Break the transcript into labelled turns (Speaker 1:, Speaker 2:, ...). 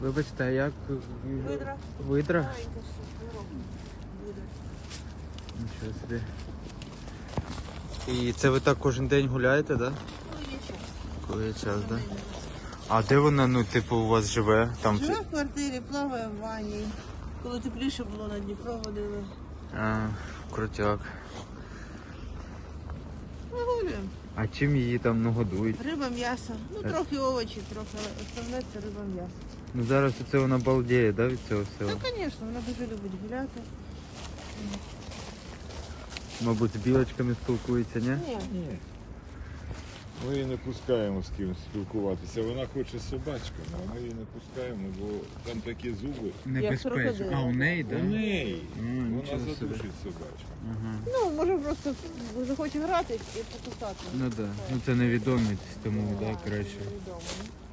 Speaker 1: Вибачте, а як?
Speaker 2: Видра.
Speaker 1: Видра?
Speaker 2: Маленька ще, здорова буде.
Speaker 1: Нічого собі. І це ви так кожен день гуляєте, так? Да?
Speaker 2: Ну, є час.
Speaker 1: Коли є час, так? Да? А де вона, ну, типу, у вас живе? Там
Speaker 2: Живе в квартирі, плаває в ванні. Коли тепліше було, на Дніпро водили.
Speaker 1: А, крутяк.
Speaker 2: Вигулюємо.
Speaker 1: А чим її там, ну, годують?
Speaker 2: Риба, м'ясо. Ну, трохи овочі, трохи, але основне це риба, м'ясо.
Speaker 1: Ну зараз оце вона балдіє, да, від цього всього?
Speaker 2: Ну, звісно, вона дуже любить гуляти.
Speaker 1: Мабуть, з білочками спілкується, ні?
Speaker 2: Ні.
Speaker 3: Ні. Ми її не пускаємо з кимось спілкуватися. Вона хоче з собачками, а ми її не пускаємо, бо там такі зуби.
Speaker 1: Небезпечно.
Speaker 2: крокодил.
Speaker 1: А, у неї,
Speaker 3: У
Speaker 1: так? Да?
Speaker 3: неї. Вона
Speaker 1: нічого собі.
Speaker 3: задушить собачку.
Speaker 1: Ага.
Speaker 2: Ну, може просто захоче грати і покусати.
Speaker 1: Ну так. Да. Ну це невідомість, тому да, краще.
Speaker 2: Невідомо.